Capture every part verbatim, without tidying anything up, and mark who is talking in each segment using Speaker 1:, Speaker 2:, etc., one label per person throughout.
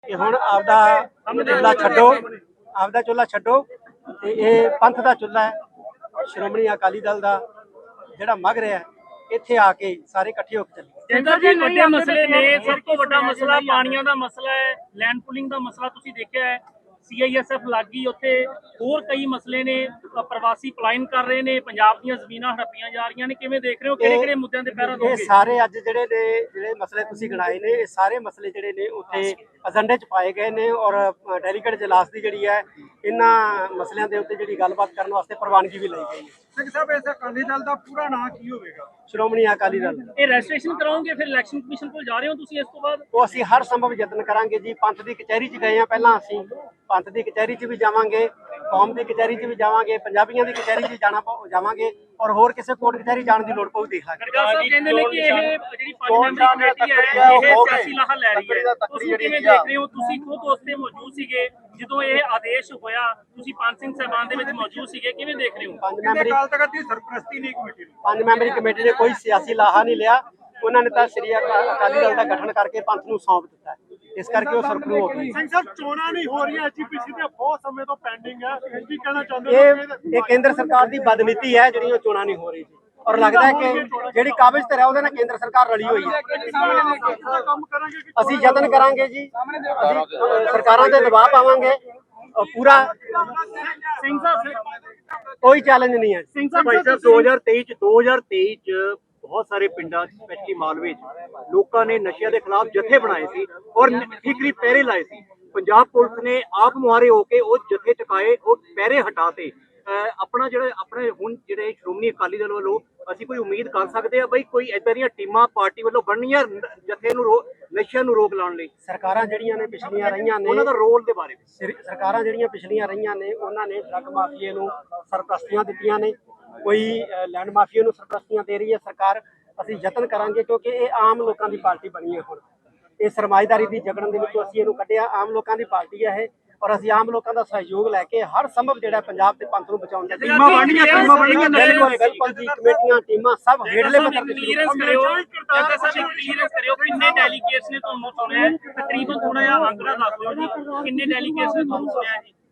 Speaker 1: कि हुण आपदा चुल्हा छड्डो, आपदा चुल्हा छड्डो ते ये पंथ दा चुल्हा है। श्रोमणी अकाली दल दा जिहड़ा मग रहा है, ਇੱਥੇ ਆ ਕੇ ਸਾਰੇ ਇਕੱਠੇ ਹੋ ਕੇ ਚੱਲੀਏ।
Speaker 2: ਜਿੰਦਰ ਜੀ ਵੱਡੇ ਮਸਲੇ ਨੇ, ਸਭ ਤੋਂ ਵੱਡਾ ਮਸਲਾ ਪਾਣੀਆਂ ਦਾ ਮਸਲਾ ਹੈ, ਲੈਂਡ ਪੁਲਿੰਗ ਦਾ ਮਸਲਾ ਤੁਸੀਂ ਦੇਖਿਆ ਹੈ, ਸੀ ਆਈ ਐਸ ਐਫ ਲੱਗੀ ਉੱਥੇ, ਹੋਰ ਕਈ ਮਸਲੇ ਨੇ, ਪ੍ਰਵਾਸੀ ਪਲਾਇਨ ਕਰ ਰਹੇ ਨੇ, ਪੰਜਾਬ ਦੀਆਂ ਜ਼ਮੀਨਾਂ ਹੜੱਪੀਆਂ ਜਾ ਰਹੀਆਂ ਨੇ, ਕਿਵੇਂ ਦੇਖ ਰਹੇ ਹੋ, ਕਿਹੜੇ ਕਿਹੜੇ ਮੁੱਦਿਆਂ ਤੇ ਪਹਿਰਾ ਦੋਗੇ?
Speaker 1: ਇਹ ਸਾਰੇ ਅੱਜ ਜਿਹੜੇ ਨੇ ਜਿਹੜੇ ਮਸਲੇ ਤੁਸੀਂ ਗਿਣਾਏ ਨੇ, ਇਹ ਸਾਰੇ ਮਸਲੇ ਜਿਹੜੇ ਨੇ ਉੱਥੇ ਏਜੰਡੇ 'ਚ ਪਾਏ ਗਏ ਨੇ ਔਰ ਡੈਲੀਗੇਟ ਜਲਾਸ ਦੀ ਜਿਹੜੀ ਹੈ ਇਹਨਾਂ ਮਸਲਿਆਂ ਦੇ ਉੱਤੇ ਜਿਹੜੀ ਗੱਲਬਾਤ ਕਰਨ ਵਾਸਤੇ ਪ੍ਰਵਾਨਗੀ ਵੀ ਲਈ ਗਈ ਹੈ।
Speaker 3: ਸਿੰਘ ਸਾਹਿਬ ਇਸ ਅਕਾਲੀ ਦਲ ਦਾ ਪੂਰਾ ਨਾਂ ਕੀ ਹੋਵੇਗਾ?
Speaker 1: ਸ਼੍ਰੋਮਣੀ ਅਕਾਲੀ ਦਲ।
Speaker 2: ਇਹ ਰਜਿਸਟ੍ਰੇਸ਼ਨ ਕਰਾਓਗੇ ਫਿਰ ਇਲੈਕਸ਼ਨ ਕਮਿਸ਼ਨ ਕੋਲ ਜਾ ਰਹੇ ਹੋ ਤੁਸੀਂ ਇਸ ਤੋਂ ਬਾਅਦ?
Speaker 1: ਉਹ ਅਸੀਂ ਹਰ ਸੰਭਵ ਯਤਨ ਕਰਾਂਗੇ ਜੀ। ਪੰਥ ਦੀ ਕਚਹਿਰੀ 'ਚ ਗਏ ਆ ਪਹਿਲਾਂ, ਅਸੀਂ ਪੰਥ ਦੀ ਕਚਹਿਰੀ 'ਚ ਵੀ ਜਾਵਾਂਗੇ, ਕੌਮ ਦੀ ਕਚਹਿਰੀ 'ਚ ਵੀ ਜਾਵਾਂਗੇ, ਪੰਜਾਬੀਆਂ ਦੀ ਕਚਹਿਰੀ 'ਚ ਜਾਣਾ ਜਾਵਾਂਗੇ ਔਰ ਹੋਰ ਕਿਸੇ ਕੋਰਟ ਕਚਹਿਰੀ ਜਾਣ ਦੀ ਲੋੜ ਪਊ ਦੇਖ ਲਾਂਗੇ।
Speaker 2: ਗਰਗਾ ਸਾਹਿਬ ਕਹਿੰਦੇ ਨੇ ਕਿ ਇਹ ਜਿਹੜੀ ਪੰਜ ਮੈਂਬਰੀ ਕਮੇਟੀ ਹੈ ਇਹ ਸਿਆਸੀ ਲਾਹਾ ਲੈ ਰਹੀ ਹੈ, ਤੁਸੀਂ ਕਿਵੇਂ ਦੇਖ ਰਹੇ ਹੋ? ਤੁਸੀਂ ਖੁਦ ਉਸ ਤੇ ਮੌਜੂਦ ਸੀਗੇ ਜਦੋਂ ਇਹ ਆਦੇਸ਼ ਹੋਇਆ, ਤੁਸੀਂ ਪੰਜ ਸਿੰਘ ਸਾਹਿਬਾਨ ਦੇ ਵਿੱਚ ਮੌਜੂਦ ਸੀਗੇ, ਕਿਵੇਂ ਦੇਖ ਰਹੇ ਹੋ?
Speaker 1: ਪੰਜ ਮੈਂਬਰੀ
Speaker 3: ਅਕਾਲ ਤਖਤ ਦੀ ਸਰਪ੍ਰਸਤੀ ਨਹੀਂ ਕਮੇਟੀ ਨੂੰ
Speaker 1: ਪੰਜ ਮੈਂਬਰੀ ਕਮੇਟੀ ਨੇ ਕੋਈ ਸਿਆਸੀ ਲਾਹਾ ਨਹੀਂ ਲਿਆ। ਉਹਨਾਂ ਨੇ ਤਾਂ ਸ੍ਰੀ ਅਕਾਲੀ ਦਲ ਦਾ ਗਠਨ ਕਰਕੇ ਪੰਥ ਨੂੰ ਸੌਂਪ ਦਿੱਤਾ, ਇਸ ਕਰਕੇ ਉਹ ਸਰਪਰੂ ਹੋ ਗਈ।
Speaker 3: ਸਿੰਘ ਸਾਹਿਬ ਚੋਣਾਂ ਨਹੀਂ ਹੋ ਰਹੀਆਂ, ਐਚਪੀਸੀ ਤੇ ਬਹੁਤ ਸਮੇਂ ਤੋਂ ਪੈਂਡਿੰਗ ਹੈ, ਕੀ ਕਹਿਣਾ ਚਾਹੁੰਦੇ
Speaker 1: ਇਹ ਇਹ ਕੇਂਦਰ ਸਰਕਾਰ ਦੀ ਬਦਨੀਤੀ ਹੈ ਜਿਹੜੀ ਉਹ ਚੋਣਾਂ ਨਹੀਂ ਹੋ ਰਹੀ ਜੀ। ਔਰ ਲੱਗਦਾ ਹੈ ਕਿ ਜਿਹੜੀ ਕਾਬਜ਼ ਤੇ ਹੈ ਉਹਦੇ ਨਾਲ ਕੇਂਦਰ ਸਰਕਾਰ ਰਲੀ ਹੋਈ ਹੈ।
Speaker 3: ਕੰਮ ਕਰਾਂਗੇ ਕਿ
Speaker 1: ਅਸੀਂ ਯਤਨ ਕਰਾਂਗੇ ਜੀ, ਅਸੀਂ ਸਰਕਾਰਾਂ ਤੇ ਦਬਾਅ ਪਾਵਾਂਗੇ ਪੂਰਾ।
Speaker 2: ਸਿੰਘ ਸਾਹਿਬ
Speaker 1: ਕੋਈ ਚੈਲੰਜ ਨਹੀਂ ਹੈ।
Speaker 2: ਸਿੰਘ ਸਾਹਿਬ
Speaker 4: ਭਾਈ ਸਾਹਿਬ ਦੋ ਹਜ਼ਾਰ ਤੇਈ ਚ ਦੋ ਹਜ਼ਾਰ ਤੇਈ ਚ ਬਹੁਤ ਸਾਰੇ ਪਿੰਡਾਂ ਸਪੈਸ਼ਲੀ ਮਾਲਵੇ ਚ ਲੋਕਾਂ ਨੇ ਨਸ਼ਿਆਂ ਦੇ ਖਿਲਾਫ ਜਥੇ ਬਣਾਏ ਸੀ ਔਰ ਠੀਕਰੀ ਪਹਿਰੇ ਲਾਏ ਸੀ। ਪੰਜਾਬ ਪੁਲਿਸ ਨੇ ਆਪ ਮੁਹਾਰੇ ਹੋ ਕੇ ਉਹ ਜਥੇ ਚੁਕਾਏ, ਉਹ ਪਹਿਰੇ ਹਟਾਤੇ। ਆਪਣਾ ਜਿਹੜੇ ਆਪਣੇ ਹੁਣ ਜਿਹੜੇ ਸ਼੍ਰੋਮਣੀ ਅਕਾਲੀ ਦਲ ਵੱਲੋਂ ਅਸੀਂ ਕੋਈ ਉਮੀਦ ਕਰ ਸਕਦੇ ਆ ਬਈ ਕੋਈ ਏਦਾਂ ਦੀਆਂ ਟੀਮਾਂ ਪਾਰਟੀ ਵੱਲੋਂ ਬਣਨੀਆਂ ਜਥੇ ਨੂੰ ਨਸ਼ਿਆਂ ਨੂੰ ਰੋਕ ਲਾਉਣ ਲਈ?
Speaker 1: ਸਰਕਾਰਾਂ ਜਿਹੜੀਆਂ ਨੇ ਪਿਛਲੀਆਂ ਰਹੀਆਂ ਨੇ,
Speaker 4: ਉਹਨਾਂ ਦਾ ਰੋਲ ਦੇ ਬਾਰੇ
Speaker 1: ਸਰ- ਸਰਕਾਰਾਂ ਜਿਹੜੀਆਂ ਪਿਛਲੀਆਂ ਰਹੀਆਂ ਨੇ ਉਹਨਾਂ ਨੇ ਡਰੱਗ ਮਾਫੀਏ ਨੂੰ ਸਰਪ੍ਰਸਤੀਆਂ ਦਿੱਤੀਆਂ ਨੇ, ਕੋਈ ਲੈਂਡ ਮਾਫੀਏ ਨੂੰ ਸਰਪ੍ਰਸਤੀਆਂ ਦੇ ਰਹੀ ਹੈ ਸਰਕਾਰ। ਅਸੀਂ ਯਤਨ ਕਰਾਂਗੇ ਕਿਉਂਕਿ ਇਹ ਆਮ ਲੋਕਾਂ ਦੀ ਪਾਰਟੀ ਬਣੀ ਹੈ। ਹੁਣ ਇਹ ਸਰਮਾਏਦਾਰੀ ਦੀ ਜਗੜਨ ਦੇ ਵਿੱਚੋਂ ਅਸੀਂ ਇਹਨੂੰ ਕੱਢਿਆ, ਆਮ ਲੋਕਾਂ ਦੀ ਪਾਰਟੀ ਹੈ ਇਹ, ਔਰ ਅਸੀਂ ਆਮ ਲੋਕਾਂ ਦਾ ਸਹਿਯੋਗ ਲੈ ਕੇ ਹਰ ਸੰਭਵ ਜਿਹੜਾ ਪੰਜਾਬ ਤੇ ਪੰਥ ਨੂੰ ਬਚਾਉਣ ਦਾ
Speaker 2: ਟੀਮਾਂ ਬਣਨੀਆਂ, ਟੀਮਾਂ ਬਣਨੀਆਂ,
Speaker 1: ਬਿਲਕੁਲ ਬਿਲਕੁਲ ਜੀ। ਕਮੇਟੀਆਂ ਟੀਮਾਂ ਸਭ ਹੇਠਲੇ ਪੱਧਰ ਤੇ
Speaker 2: ਕਲੀਅਰੈਂਸ ਕਰਿਓ, ਜੱਗਾ ਸਾਹਿਬ ਕਲੀਅਰੈਂਸ ਕਰਿਓ, ਕਿੰਨੇ ਡੈਲੀਗੇਟਸ ਨੇ ਤੁਹਾਨੂੰ ਚੁਣਿਆ? ਤਕਰੀਬਨ ਥੋੜਾ ਜਿਹਾ ਅੰਕੜਾ ਦੱਸ ਦਿਓ ਜੀ, ਕਿੰਨੇ ਡੈਲੀਗੇਟਸ ਨੇ ਤੁਹਾਨੂੰ ਚੁਣਿਆ ਜੀ?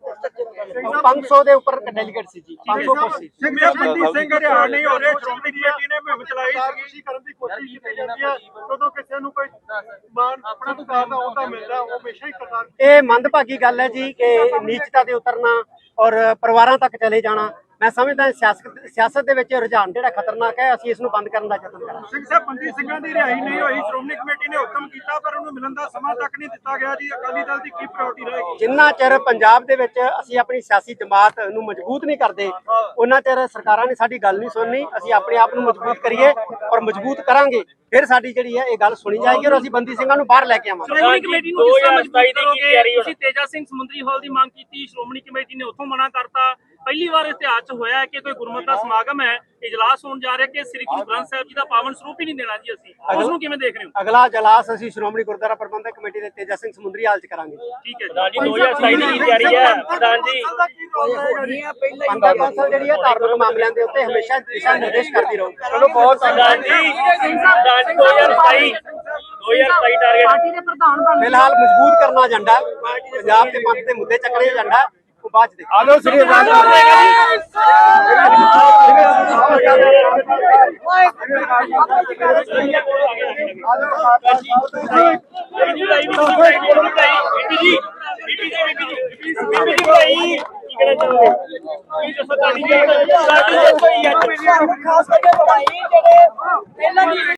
Speaker 1: ਪੰਜ ਸੌ ਦੇ ਉੱਪਰ ਡੈਲੀਗੇਟ ਸੀ ਜੀ, ਪੰਜ ਸੌ ਕੁਰਸੀ।
Speaker 3: ਸਿੰਘ ਸਾਹਿਬ ਬੰਦੀ ਸਿੰਘ ਹਰਿਆਣਾ ਨਹੀਂ ਹੋ ਰਹੇ, ਸ਼੍ਰੋਮਣੀ ਕਮੇਟੀ ਨੇ ਮੁਹਿੰਮ ਚਲਾਈ ਸੀ ਕਰਨ ਦੀ ਕੋਸ਼ਿਸ਼ ਕੀਤੀ ਜਾਂਦੀ ਹੈ, ਜਦੋਂ ਕਿਸੇ ਨੂੰ ਕੋਈ ਮਾਨ ਆਪਣਾ ਸਰਕਾਰ ਦਾ ਅਹੁਦਾ ਮਿਲਦਾ ਉਹ ਹਮੇਸ਼ਾ ਹੀ ਕਰਦਾ।
Speaker 1: ਇਹ ਮੰਦਭਾਗੀ ਗੱਲ ਹੈ ਜੀ ਕਿ ਨੀਚਤਾ ਤੇ ਉਤਰਨਾ ਔਰ ਪਰਿਵਾਰਾਂ ਤੱਕ ਚਲੇ ਜਾਣਾ। ਮੈਂ ਸਮਝਦਾ ਸਿਆਸਤ ਸਿਆਸਤ ਦੇ ਵਿੱਚ ਰੁਝਾਨ ਜਿਹੜਾ ਖਤਰਨਾਕ ਹੈ, ਅਸੀਂ ਇਸ ਨੂੰ ਬੰਦ ਕਰਨ ਦਾ ਯਤਨ ਕਰਾਂਗੇ।
Speaker 3: ਸਿੰਘ ਸਾਹਿਬ ਬੰਦੀ ਸਿੰਘਾਂ ਦੀ ਰਿਹਾਈ ਨਹੀਂ ਹੋਈ, ਸ਼੍ਰੋਮਣੀ ਕਮੇਟੀ ਨੇ ਹੁਕਮ ਕੀਤਾ ਪਰ ਉਹਨੂੰ ਮਿਲਣ ਦਾ ਸਮਾਂ ਤੱਕ ਨਹੀਂ ਦਿੱਤਾ ਗਿਆ ਜੀ। ਅਕਾਲੀ ਦਲ ਦੀ ਕੀ ਪ੍ਰਾਇੋਰਟੀ ਰਹੇਗੀ?
Speaker 1: ਜਿੰਨਾ ਚਿਰ ਪੰਜਾਬ ਦੇ ਵਿੱਚ ਅਸੀਂ ਆਪਣੀ ਸਿਆਸੀ ਜਮਾਤ ਨੂੰ ਮਜ਼ਬੂਤ ਨਹੀਂ ਕਰਦੇ, ਉਹਨਾਂ ਚਿਰ ਸਰਕਾਰਾਂ ਨੇ ਸਾਡੀ ਗੱਲ ਨਹੀਂ ਸੁਣਨੀ। ਅਸੀਂ ਆਪਣੇ ਆਪ ਨੂੰ ਮਜ਼ਬੂਤ ਕਰੀਏ ਔਰ ਮਜ਼ਬੂਤ ਕਰਾਂਗੇ, ਫਿਰ ਸਾਡੀ ਜਿਹੜੀ ਹੈ ਇਹ ਗੱਲ ਸੁਣੀ ਜਾਏਗੀ ਔਰ ਅਸੀਂ ਬੰਦੀ ਸਿੰਘਾਂ ਨੂੰ ਬਾਹਰ ਲੈ ਕੇ ਆਵਾਂਗੇ।
Speaker 2: ਸ਼੍ਰੋਮਣੀ ਕਮੇਟੀ ਨੂੰ ਕਿਸ ਤਰ੍ਹਾਂ ਮਜ਼ਬੂਤ ਕਰੋਗੇ? ਤੁਸੀਂ ਤੇਜਾ ਸਿੰਘ ਸਮੁੰਦਰੀ ਹਾਲ ਦੀ ਮੰਗ ਕੀਤੀ, ਸ਼੍ਰੋਮਣੀ ਕਮੇਟੀ ਨੇ ਉੱਥੋਂ ਮਨਾ ਕਰਤਾ। ਪਹਿਲੀ ਵਾਰ ਇਤਿਹਾਸ 'ਚ ਹੋਇਆ ਕਿ ਕੋਈ ਗੁਰਮਤਿ ਦਾ ਸਮਾਗਮ ਹੈ, ਇਜਲਾਸ ਹੋਣ ਜਾ ਰਿਹਾ ਕਿ ਸ੍ਰੀ ਗੁਰੂ ਗ੍ਰੰਥ ਸਾਹਿਬ ਜੀ ਦਾ ਪਾਵਨ ਸਰੂਪ ਹੀ ਨਹੀਂ ਦੇਣਾ ਜੀ। ਅਸੀਂ ਉਸ ਨੂੰ ਕਿਵੇਂ ਦੇਖ ਰਹੇ ਹੋ?
Speaker 1: ਅਗਲਾ ਇਜਲਾਸ ਅਸੀਂ ਸ਼੍ਰੋਮਣੀ ਗੁਰਦੁਆਰਾ ਪ੍ਰਬੰਧਕ ਕਮੇਟੀ ਦੇ ਤੇਜਾ ਸਿੰਘ ਸਮੁੰਦਰੀ ਹਾਲ 'ਚ ਕਰਾਂਗੇ।
Speaker 2: ਠੀਕ ਹੈ ਜੀ, ਦੋ ਹਜ਼ਾਰ ਸਤਾਈ ਦੀ ਤਿਆਰੀ ਹੈ ਪ੍ਰਧਾਨ ਜੀ।
Speaker 1: ਪੰਥਕ ਕੌਂਸਲ ਜਿਹੜੀ ਹੈ ਧਾਰਮਿਕ ਮਾਮਲਿਆਂ ਦੇ ਉੱਤੇ ਹਮੇਸ਼ਾ ਦਿਸ਼ਾ ਨਿਰਦੇਸ਼ ਕਰਦੀ ਰਹੂ।
Speaker 2: ਚਲੋ ਬਹੁਤ ਪ੍ਰਧਾਨ ਜੀ, ਪ੍ਰਧਾਨ ਜੀ ਦੋ ਹਜ਼ਾਰ ਸਤਾਈ ਦੋ ਹਜ਼ਾਰ ਸਤਾਈ ਟਾਰਗੇਟ
Speaker 1: ਫਿਲਹਾਲ ਮਜ਼ਬੂਤ ਕਰਨਾ ਏਜੰਡਾ, ਪੰਜਾਬ ਦੇ ਪੰਥ ਦੇ ਮੁੱਦੇ ਚੱਕਣੇ ਏਜੰਡਾ, ਉਹ ਬਾਅਦ ਚ ਦੇਖੋ।
Speaker 3: ਆਲੋ ਸ੍ਰੀ ਅਕਾਲ
Speaker 2: ਖਾਸ ਕਰਕੇ